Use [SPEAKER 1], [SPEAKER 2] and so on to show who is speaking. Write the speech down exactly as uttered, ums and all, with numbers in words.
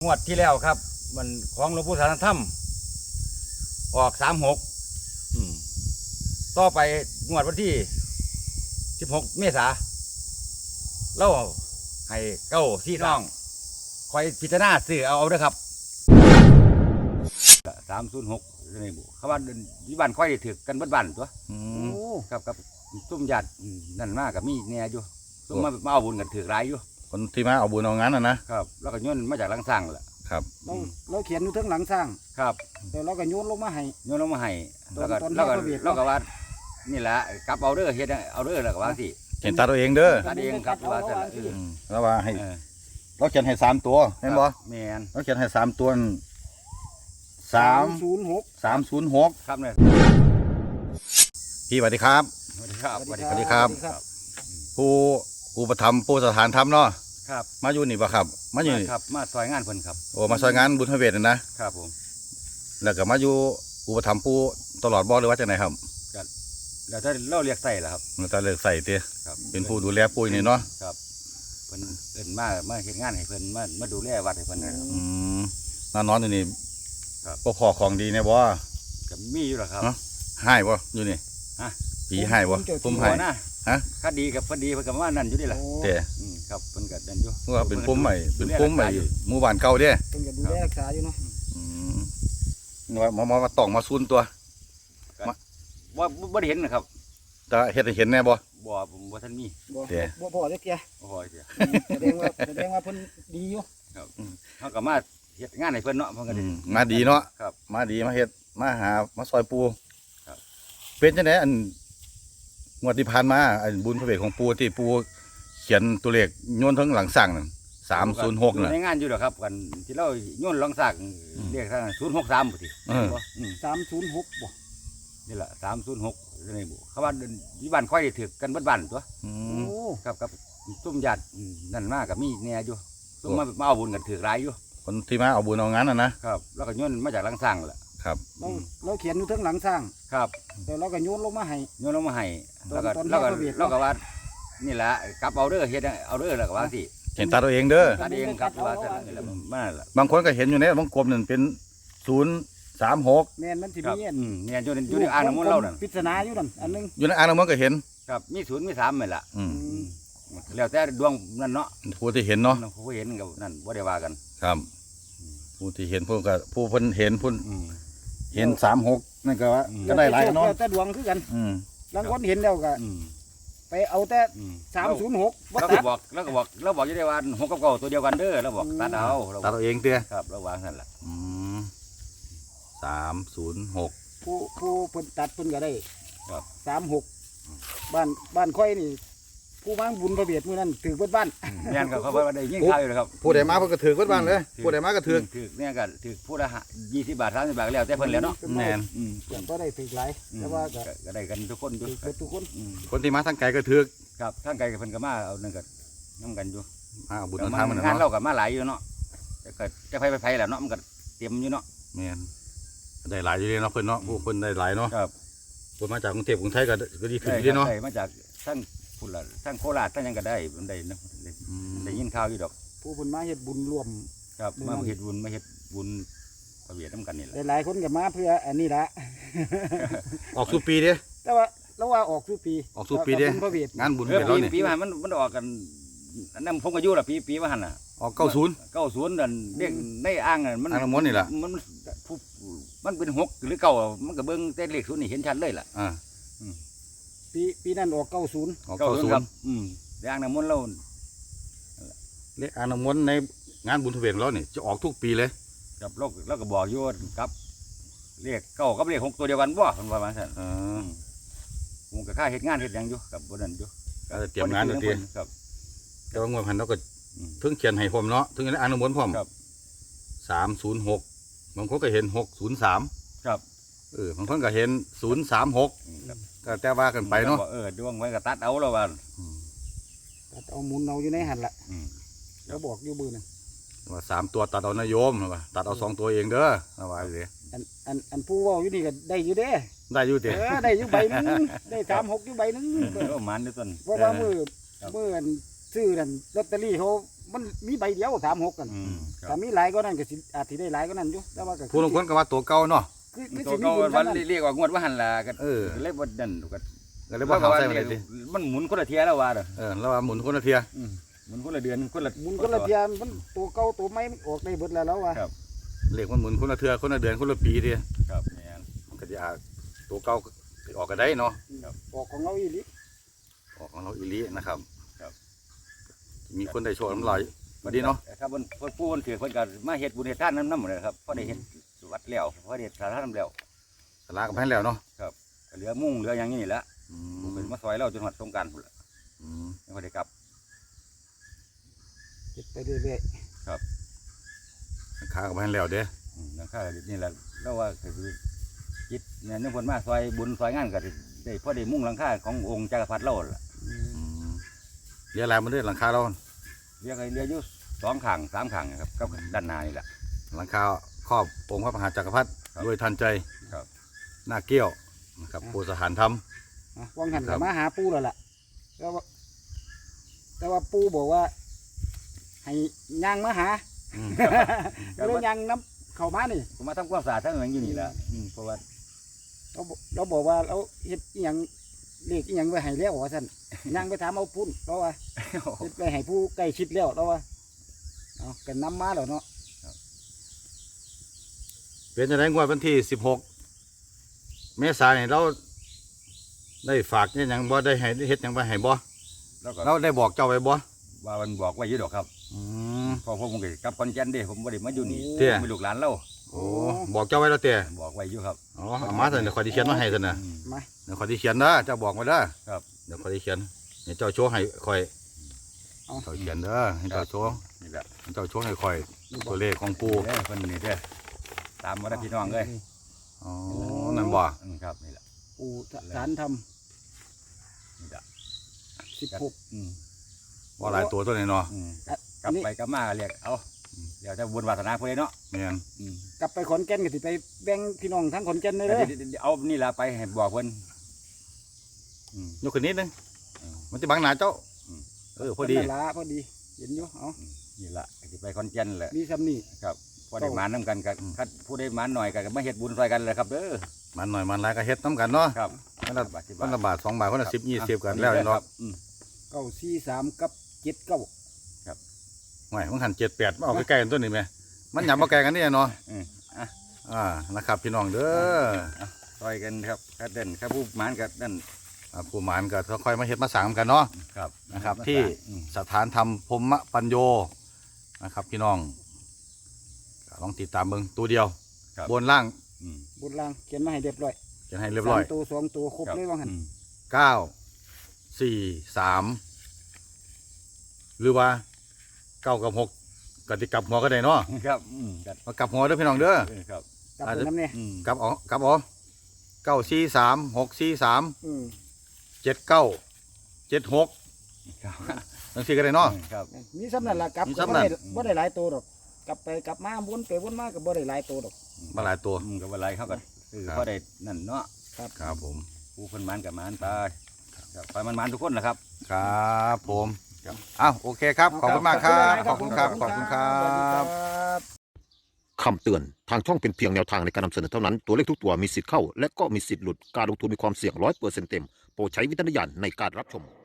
[SPEAKER 1] งวดที่แล้วครับมันของหลวงปู่สารธรรมออกสามหกต่อไปงวดวันที่สิบหกเมษาเล่าให้เก้าซี่น้องคอยพิจารณาซื้อเอาเอาด้วยครับสามศูนย์หกในบุเขาว่าที่บ้านค่อยถือกันบ้านๆตัวครับครับตุ้มหยาดนั่นมากกับมีเนี่ยอยู่ตุ้มมามาเอาบุญกันถือร้ายอยู่
[SPEAKER 2] คนที่มาเอาบุญเอางั้นนะนะครับ
[SPEAKER 1] แล้วก็โยนมาจากหลังสร้างแหละ
[SPEAKER 2] ครับ
[SPEAKER 3] เราเราเขียนอยู่ทั้งหลังสร้าง
[SPEAKER 1] ครับ
[SPEAKER 3] แต่เราก็โยนลงมาให้
[SPEAKER 1] โยนลงมาให้แล้วก็แล้วก็แล้วก็ว่านี่แหละกลับเอาเด้อเฮ็ดเอาเด้อแล้วก็ว่าสิ
[SPEAKER 2] เขียนตาตัวเองเด้อ
[SPEAKER 1] ตาเองครับว่าแต่
[SPEAKER 2] แล้วว่าให้เราเขียนให้สามตัวเห็นบ่
[SPEAKER 1] แม่น
[SPEAKER 2] เราเขียนให้สามตัวสาม
[SPEAKER 3] ศูนย์หก
[SPEAKER 2] สามศูนย์หก
[SPEAKER 1] ครับเนี่ย
[SPEAKER 2] พี่สวัสดีครับ
[SPEAKER 1] สวัสดีครับ
[SPEAKER 2] สวัสดีครับผู้อุปถัมภ์ผู้สถานธรรมเนาะ
[SPEAKER 1] ครับ
[SPEAKER 2] มาอยู่นี่ป่ะครับมาอยู่
[SPEAKER 1] ครับมาซอยงานเพิ่นครับ
[SPEAKER 2] โอ้มาซอยงานบุญพระเวทนะครับ
[SPEAKER 1] ผม
[SPEAKER 2] แล้วก็มาอยู่อุปถัมภ์ผู้ตลอดบ่หรือว่าจังไหนครับ
[SPEAKER 1] แล้วถ้าเราเรียกใส่ล่ะครับ
[SPEAKER 2] เราเรียกใส่เตี้ยเป็นผู้ดูแลปุ้ยนี่เนาะ
[SPEAKER 1] ครับเพิ่นเอิ้นมามาเฮ็ดงานให้เพิ่นมามาดูแลวัดให้เพิ่นนะครับ
[SPEAKER 2] อืมมานอนอยู่นี่
[SPEAKER 1] ครับ
[SPEAKER 2] บ่พอของดีแน่บ่
[SPEAKER 1] ก็มีอยู่ล่ะครับ
[SPEAKER 2] ให้บ่อยู่นี่
[SPEAKER 1] ฮะ
[SPEAKER 2] ผีให้บ่ผมให้
[SPEAKER 1] นะฮะคดีกับคดีเพิ่นก็ว่านั่นอยู่นี่ล่ะ
[SPEAKER 2] เต้
[SPEAKER 1] อืมครับเพิ่นก็นั่นอยู่
[SPEAKER 2] ว่าเป็นปุ่มใหม่เป็นปุ่มใหม่หมู่บ้านเก่าเด้
[SPEAKER 3] เพิ่นก็ดูแลรักษาอยู่เนาะ
[SPEAKER 2] อืมว่ามามาต้องมาซุนตัว
[SPEAKER 1] ว่าบ่ได้เห็นนะครับ
[SPEAKER 2] แต่เฮ็ดให้เห็นแน่บ่
[SPEAKER 1] บ่ผมบ่ทันมี
[SPEAKER 3] บ่บ่พอจักเที่ย
[SPEAKER 1] บ่พอเที่ย
[SPEAKER 3] แสดงว่าแสดงว่าเพิ่นดีอยู่
[SPEAKER 1] ครับเฮาก็มาเฮ็ดงานให้เพิ่นเนาะเพิ่นก็ดี
[SPEAKER 2] มาดีเนาะ
[SPEAKER 1] ครับ
[SPEAKER 2] มาดีมาเฮ็ดมาหามาซอยปู
[SPEAKER 1] ครับ
[SPEAKER 2] เป็นจังได๋อันงวดที่ผ่านมาอันบุญพระเวทของปูที่ปูเขียนตัวเลขโยนทั้งหลังสร้างนั่นสามศูนย์หกน่ะ
[SPEAKER 1] ในงานอยู่ดอกครับกันที่เราโยนหลังสร้างเรียกทางศูนย์หกสามบ่ติ
[SPEAKER 3] สามศูนย์หกบ่
[SPEAKER 1] นี่ล่ะสามศูนย์หกในบุเขาว่าที่บ้านค่อยถือกันบ้านๆตัวครับครับตุ้มหยาดนั่นมากกับมีเนี่ยอยู่ตุ้มมามาเอาบุญกันถือร้ายอยู่
[SPEAKER 2] คนที่มาเอาบุญเอางั้นน่ะ
[SPEAKER 1] นะครับแล้วก็โยนมาจากหลังสร้างแหละ
[SPEAKER 2] ครับ
[SPEAKER 3] เราเราเขียนอยู่ทั้งหลังสร้าง
[SPEAKER 1] ครับ
[SPEAKER 3] แต่เราก็โยนลงมาให้
[SPEAKER 1] โยนลงมาให้แล้วก็แล้วก็แล้วก็ว่านี่แหละกลับเอาเด้อเฮ็ดเอาเด้อแล้วก็ว่าสิ
[SPEAKER 2] เห็นตาตัวเองเด้อ
[SPEAKER 1] ตาเองครับว่าแต่นี่แหละมาล่ะ
[SPEAKER 2] บางคนก็เห็นอยู่เนี่ยบางกลมนั่นเป็นศูนย์สามหก
[SPEAKER 3] แม่นมันสิมี
[SPEAKER 1] อืมเนี่ยอยู่ในอยู่ในอ่างน้ำมนต์เรานั่น
[SPEAKER 3] ปริศนาอยู่นั่นอันนึง
[SPEAKER 2] อยู่ในอ่างน้ำมนต์ก็เห็น
[SPEAKER 1] ครับมีศูนย์มีสามเหมือนล่ะอืมแล้วแต่ดวงนั่นเนาะ
[SPEAKER 2] ผู้ที่เห็นเนาะ
[SPEAKER 1] ผู้เห็นกับนั่นบ่ได้ว่ากัน
[SPEAKER 2] ครับผู้ที่เห็นผู้ก็ผู้เพิ่นเห็นผู้เห็นสามหกนั่นก็ว่าก็ได้หลายเนาะ
[SPEAKER 3] แต่ดวงคือกันบางคนเห็นแล้วก็ไปเอาแต่สามศูนย์หก
[SPEAKER 1] แล้วก็บอกแล้วก็บอกแล้วบอกอยู่ได้ว่าหกกับเก้าตัวเดียวกันเด้อแล้วบอกตัดเอา
[SPEAKER 2] ตัดเอาเองเตี้ย
[SPEAKER 1] ครับระวังนั่นแหละ
[SPEAKER 2] สามศูนย์หก
[SPEAKER 3] ผู้ผู้เพิ่นตัดเพิ่นก็ได้
[SPEAKER 1] ครับ
[SPEAKER 3] สามหกบ้านบ้านค่อยนี่ผู้มาบุญพระเวทมื้อนั้นถือเบิดบ้าน
[SPEAKER 1] แม่นครับเขาว่าได้ยิ่งข้าวอยู่เลยครับ
[SPEAKER 2] ผู้ใดมาเพิ่นก็ถือเบิดบ้านเลยผู้ใดมาก็ถือ
[SPEAKER 1] ถือเนี่ยก็ถือผู้ละยี่สิบบาทสามสิบบาทแล้วแต่เพิ่นแล้วเนาะ
[SPEAKER 2] แม่น
[SPEAKER 3] ก็ได้ถือหลายแต่ว่า
[SPEAKER 1] ก็ได้กันทุกคนอยู่
[SPEAKER 3] ทุกคน
[SPEAKER 2] คนที่มาทางไกลก็ถือ
[SPEAKER 1] ครับทางไกลเพิ่นก็มาเอานั่นก็นำกันอยู่
[SPEAKER 2] มาบุญทางมัน
[SPEAKER 1] งานเราก็มาหลายอยู่เนาะก็จะไปไปแล้วเนาะมันก็เตรียมอยู่เนาะ
[SPEAKER 2] แม่นได้หลายอยู่เลยเนาะเพิ่นเนาะผู้เพิ่นได้หลายเนาะ
[SPEAKER 1] ครับ
[SPEAKER 2] คนมาจากกรุงเทพกรุงไทยก็ก็ดีขึ้นดีเนาะ
[SPEAKER 1] มาจากทั้งพุ่นละทั้งโคราชทั้งยังก็ได้มันได้นะได้ยินข่าวอยู่ดอก
[SPEAKER 3] ผู้เพิ่นมาเฮ็ดบุญรวม
[SPEAKER 1] ครับมาเฮ็ดบุญมาเฮ็ดบุญพระเวทนำกันนี่แหละ
[SPEAKER 3] หลายคนก็มาเพื่ออันนี้ละ
[SPEAKER 2] ออกสู่ปีเด้
[SPEAKER 3] แต่ว่าแล้วว่าออกสู่ปี
[SPEAKER 2] ออกสู่ปีเด้งานบุญเวทเราเนี่ย
[SPEAKER 1] ปีมามันมันออกกันนั่นผมก็อยู่ละปีปีว่าหั่นน่ะ
[SPEAKER 2] ออกเก้าศูนย์
[SPEAKER 1] เก้าศูนย์นั่นเรียกในอ่างนั่นมัน
[SPEAKER 2] อ่างน้ำมนต์นี่ล่ะ
[SPEAKER 1] มันมันเป็นหกหรือเก้ามันก็เบิ่งแต่เลขศูนย์นี่เห็นชัดเลยล่ะ
[SPEAKER 2] อ่า
[SPEAKER 3] ปีปีนั้นออกเก้าศูนย์
[SPEAKER 2] ออกเก้าศูนย์
[SPEAKER 1] อืมอ่างน้ำมนต์เรา
[SPEAKER 2] เลขอ่างน้ำมนต์ในงานบุญพระเวทเราเนี่ยจะออกทุกปีเลย
[SPEAKER 1] ครับเราเราก็บอกอยู่ครับเลขเก้ากับเลขหกตัวเดียวกันบ่เพิ่นว่าว่าซั่นเออผมก็ค่าเฮ็ดงานเฮ็ดหยังอยู่ครับบ่นั่นอยู่
[SPEAKER 2] ก็เตรียมงานอยู่ติ
[SPEAKER 1] ครับ
[SPEAKER 2] แต่ว่างวดพันเราก็ถึงเขียนให้ผมเนาะถึงอ่างน้ำมนต์พร้อมสามศูนย์หกบางคนก็เห็นหกศูนย์สาม
[SPEAKER 1] ครับ
[SPEAKER 2] เออบางคนก็เห็นศูนย์สามหกก็แต่ว่ากันไปเนาะ
[SPEAKER 1] เออดวงไว้ก็ตัดเอาแล้วว่า
[SPEAKER 3] ตัดเอาหมุนเอาอยู่ในหันละแล้วบอกอยู่บื้อนึง
[SPEAKER 2] ว่าสามตัวตัดเอานโยมว่าตัดเอาสองตัวเองเด้อเอาไว้เลย
[SPEAKER 3] อันอันอันผู้ว่าอยู่นี่ก็ได้อยู่เด้
[SPEAKER 2] ได้อยู่เด้
[SPEAKER 3] เออได้อยู่ใบนึงได้สามหกอยู่ใบนึง
[SPEAKER 1] เออมันด้วยต้น
[SPEAKER 3] เพราะว่ามือมือซื้อนั่นลอตเตอรี่เขามันมีใบเดียวสามหกกัน
[SPEAKER 1] อืมค
[SPEAKER 3] ถ้า
[SPEAKER 1] รับ
[SPEAKER 3] มีหลายก็นั่นก็สิอาจสิได้หลายก็นั่นอยู่แต่ว่าก็
[SPEAKER 2] ผู้ลางคนก็ว่าตัวเก่าเนาะ
[SPEAKER 3] คือคือ
[SPEAKER 1] ตัว
[SPEAKER 3] สิมี
[SPEAKER 1] เก่า
[SPEAKER 3] บุญ
[SPEAKER 1] วั
[SPEAKER 3] กัน นนั้น
[SPEAKER 1] เรียกว่างวดว่าหันล่ะก็
[SPEAKER 2] เออ
[SPEAKER 1] เล็บบ่นั่นก็
[SPEAKER 2] ก็เลยบ่เข้าใส่มาเลยสิ
[SPEAKER 1] มันหมุนคนละเทียแล้วว่าเด้อ
[SPEAKER 2] เออแล้วว่าหมุนคนละเทีย
[SPEAKER 1] อืมหมุนคนละเดือนคนละ
[SPEAKER 3] บุญคนละเทียมมันตัวเก่าตัวใหม่มันออกได้เบิดแล้วแล้วว่า
[SPEAKER 1] ครับ
[SPEAKER 2] เลขมันหมุนคนละเทือคนละเดือนคนละปีเทีย
[SPEAKER 1] ครับแม่น
[SPEAKER 2] มันก็จะอาจตัวเก่าออกก็ได้เนาะ
[SPEAKER 3] ออกของเราอีหลี
[SPEAKER 2] ออกของเราอีหลีนะครับ
[SPEAKER 1] ครับ
[SPEAKER 2] มีคนได้โชว์น้ำลายมาดีเนาะ
[SPEAKER 1] ครับเพิ่นเพิ่นผู้เพิ่นถือเพิ่นก็มาเฮ็ดบุญเฮ็ดทานนำนำเลยครับพอได้เฮ็ดวัดแล้วพอได้เฮ็ดสาธารณะแล้ว
[SPEAKER 2] สลากับแพนแล้วเนาะ
[SPEAKER 1] ก็เหลือมุ่งเหลือหยังนี่แหละ
[SPEAKER 2] อื
[SPEAKER 1] เพิ่น
[SPEAKER 2] ม
[SPEAKER 1] มาซอยเราจนฮอดสงกรานต์พุ่นล่ะ
[SPEAKER 2] อืม
[SPEAKER 1] ยังบ่ได้กลับ
[SPEAKER 3] เฮ็ดไปเรื่อย
[SPEAKER 2] ขากับแพนแล้วเด้
[SPEAKER 1] อืมหลังคานี่แหละเราว่าก็คือจิตเนี่ยนึกเพิ่นมาซอยบุญซอยงานก็สิได้พอได้มุ่งหลังคาขององค์จักรพรรดิเราล่ะ
[SPEAKER 3] ๆอืม
[SPEAKER 2] อืมเรียกอะไรมันเด้อหลังคาเรา
[SPEAKER 1] เรียกให้เรียกอยู่สองข้างสามข้างครับกับด้านหน้านี่แหละ
[SPEAKER 2] หลังคาครอบองค์พระมหาจักรพรรดิ
[SPEAKER 1] ครับ
[SPEAKER 2] ด้วยทันใจ
[SPEAKER 1] ครับ
[SPEAKER 2] หน้าเกี้ยวนะครับปูสถานธรรม
[SPEAKER 3] อ่ะวังหัน
[SPEAKER 2] ครั
[SPEAKER 3] ก็
[SPEAKER 2] บ
[SPEAKER 3] มาหาปู่แล้วล่ะแต่ว่าแต่ว่าปู่บอกว่า ให้ย่างมาหา
[SPEAKER 2] อืม
[SPEAKER 3] ก็เลยย่างน้ำเข้ามานี่
[SPEAKER 1] ผมมาทำความสะอาดทั้งหลังอยู่นี่แหละอืมเพราะว่า
[SPEAKER 3] เราบอกเราบอกว่าเราเฮ็ดอีหยังเลขอีหยังไว้ให้แล้วว่าซั่นย่างไปถามเอาพุ่นเพราะว่าเฮ็ดไปให้ผู้ใกล้ชิดแล้วเราว่าเอากันนำมาแล้วเนาะ
[SPEAKER 2] เป็นจะได้งวดวันที่สิบหกเมษายนเราได้ฝากเนี่ยยังบ่ได้ให้ได้เฮ็ดหยังไปให้บ่
[SPEAKER 1] แล้วก็
[SPEAKER 2] เราได้บอกเจ้าไว้บ่
[SPEAKER 1] ว่ามันบอกไว้อยู่ดอกครับ
[SPEAKER 2] อืม
[SPEAKER 1] เพอผมก็กลับคอนแก่นเด้ผมบ่ได้มาอยู่นี่
[SPEAKER 2] เตี้ย
[SPEAKER 1] ผมเป็นลูกหลานเรา
[SPEAKER 2] โอ้บอกเจ้าไว้แล้วเต้
[SPEAKER 1] บอกไว้อยู่ครับ
[SPEAKER 2] อ๋อเอามาเถอะเดี๋ยวคอยที่เขียนมาให้เถอะนะ
[SPEAKER 1] อืม
[SPEAKER 3] มา
[SPEAKER 2] เดี๋ยวคอยที่เขียนนะเจ้าบอกมาเด้อ
[SPEAKER 1] ครับ
[SPEAKER 2] เดี๋ยวคอยที่เขียนให้เจ้าโชว์ให้คอย
[SPEAKER 3] เอา
[SPEAKER 2] เจ้าเขียนเด้อให้เจ้าโชว์
[SPEAKER 1] นี่แหละ
[SPEAKER 2] ให้เจ้าโชว์ให้คอยตัวเลขของปู
[SPEAKER 1] เด้อเพิ่นนี่เด้อตามมาได้อพี่น้องเอ้ย
[SPEAKER 2] อ๋อนั่นบ่
[SPEAKER 1] อืมครับนี่แหละ
[SPEAKER 3] ปู่ฐานธรรม
[SPEAKER 1] นี่แหละ
[SPEAKER 3] สิบหก
[SPEAKER 1] อืม
[SPEAKER 2] ว่าหลายตัวตัวนี้เนาะ
[SPEAKER 1] อืม
[SPEAKER 3] อ่ะ
[SPEAKER 1] กลับไปกลับมาเรียกเอาเดี๋ยวจะบุญวาสนาเพื่อนเนาะ
[SPEAKER 2] แม่น
[SPEAKER 1] อืม
[SPEAKER 3] กลับไปขอนแก่นก็สิไปแบ่งพี่น้องทั้งขอนแก่นเลย
[SPEAKER 1] แต่
[SPEAKER 3] เด้อ
[SPEAKER 1] เดี๋ยวเดี๋ยวเอานี่ละไปให้บอกเพื่อนอืม
[SPEAKER 2] ยกขึ้นนิดนึง
[SPEAKER 1] อืม
[SPEAKER 2] มันจะบังหน้าเจ้า
[SPEAKER 1] อืม
[SPEAKER 2] เออพอดี
[SPEAKER 3] นั่นละพอดีเห็นอยู่เอา
[SPEAKER 1] นี่ละสิไปคอนเจนแหละ
[SPEAKER 3] มีซ้ำนี่
[SPEAKER 1] ครับพอได้หมานน้ำกันกับคัดผู้ได้หมานหน่อยกับมาเฮ็ดบุญซอยกันเลยครับเด้อ
[SPEAKER 2] มันหน่อยมันหลายก็เฮ็ดน้ำกันเนาะ
[SPEAKER 1] ครับ
[SPEAKER 2] คนละ
[SPEAKER 1] บาทสิ
[SPEAKER 2] คนละบาทสองบาทคนละสิบยี่สิบกัน
[SPEAKER 1] เอา
[SPEAKER 2] แล้ว
[SPEAKER 1] นี่
[SPEAKER 2] เนาะ
[SPEAKER 1] ครับอืม
[SPEAKER 3] เก้าสี่สามกับเจ็ดเก้า
[SPEAKER 2] ไม่มันหันเจ็ดแปดมาเอาใกล้ๆกันตัวนี้ไหมมันหยับมาไกลกันนี่เนาะ
[SPEAKER 1] อืมอ่ะ
[SPEAKER 2] อ่านะครับพี่น้องเด้อ
[SPEAKER 1] ซอยกันครับถ้าเด่นถ้าผู้หมานกับนั่น
[SPEAKER 2] อ่าผู้หมานก็ค่อยๆมาเฮ็ดมาสร้างกันเนาะ
[SPEAKER 1] ครับ
[SPEAKER 2] นะครับที่
[SPEAKER 1] อืม
[SPEAKER 2] สถานธรรมพรหมปัญโยนะครับ พี่น้องก็ลองติดตามเบิ่งตัวเดียว
[SPEAKER 1] ครับ
[SPEAKER 2] บนล่าง
[SPEAKER 1] อืม
[SPEAKER 3] บนล่างเขียนมาให้เรียบร้อย
[SPEAKER 2] จะให้เรียบร้อย
[SPEAKER 3] สามตัวสองตัวครบเลยว่างั้น
[SPEAKER 1] อืม
[SPEAKER 2] เก้าสี่สามหรือว่าเก้ากับหกก็ติกลับหัวก็ได้เนาะ
[SPEAKER 1] ครับอืมครับ
[SPEAKER 2] มากลับหัวเด้อพี่น้องเด้อ
[SPEAKER 1] เออครับ
[SPEAKER 3] กลับไปน้ำเนี่ย
[SPEAKER 1] อืม
[SPEAKER 2] กลับเอ๋อกลับเอ๋อเก้าสี่สามหกสี่สาม
[SPEAKER 3] อืม
[SPEAKER 2] เจ็ดเก้าเจ็ดหก
[SPEAKER 1] ครับ
[SPEAKER 2] ทั้งสี่ก็ได้เนาะ
[SPEAKER 1] ครับ
[SPEAKER 3] มีซ้ำนั่นละกลับ
[SPEAKER 2] มี
[SPEAKER 3] ก็
[SPEAKER 2] ซ้ำ
[SPEAKER 3] บ่
[SPEAKER 2] นั่
[SPEAKER 3] ได้
[SPEAKER 2] น
[SPEAKER 3] บ่ได้หลายตัวหรอกกลับไปกลับมาวนไปวนมาก็บ่ได้หลายตัวหรอก
[SPEAKER 2] มาหลายตัว
[SPEAKER 1] อืมกับอะไรเขาก็คือ
[SPEAKER 2] ครับ
[SPEAKER 1] พอได้นั่นเนาะ
[SPEAKER 2] ครับผม
[SPEAKER 1] ผู้คนหมันกับหมันไปครับไปมันหมันทุกคนนะครับ
[SPEAKER 2] ครับผม
[SPEAKER 1] ครับ
[SPEAKER 2] อ้าวโอเคครับ ขอบคุณมากครับ
[SPEAKER 3] ข
[SPEAKER 2] ข
[SPEAKER 3] อ
[SPEAKER 2] อ
[SPEAKER 3] บบ คุ
[SPEAKER 2] คุณ ณ
[SPEAKER 3] ค
[SPEAKER 2] ค
[SPEAKER 3] รั
[SPEAKER 2] รั
[SPEAKER 3] บบ
[SPEAKER 2] ขอบคุณครั
[SPEAKER 3] สวัสดี
[SPEAKER 2] บ
[SPEAKER 3] ครับ
[SPEAKER 4] คำเตือน ทางช่องเป็นเพียงแนวทางในการนำเสนอเท่านั้น ตัวเลขทุกตัวมีสิทธิ์เข้า และก็มีสิทธิ์หลุด การลงทุนมีความเสี่ยงร้อยเปอร์เซ็นต์เต็ม โปรดใช้วิจารณญาณในการรับชม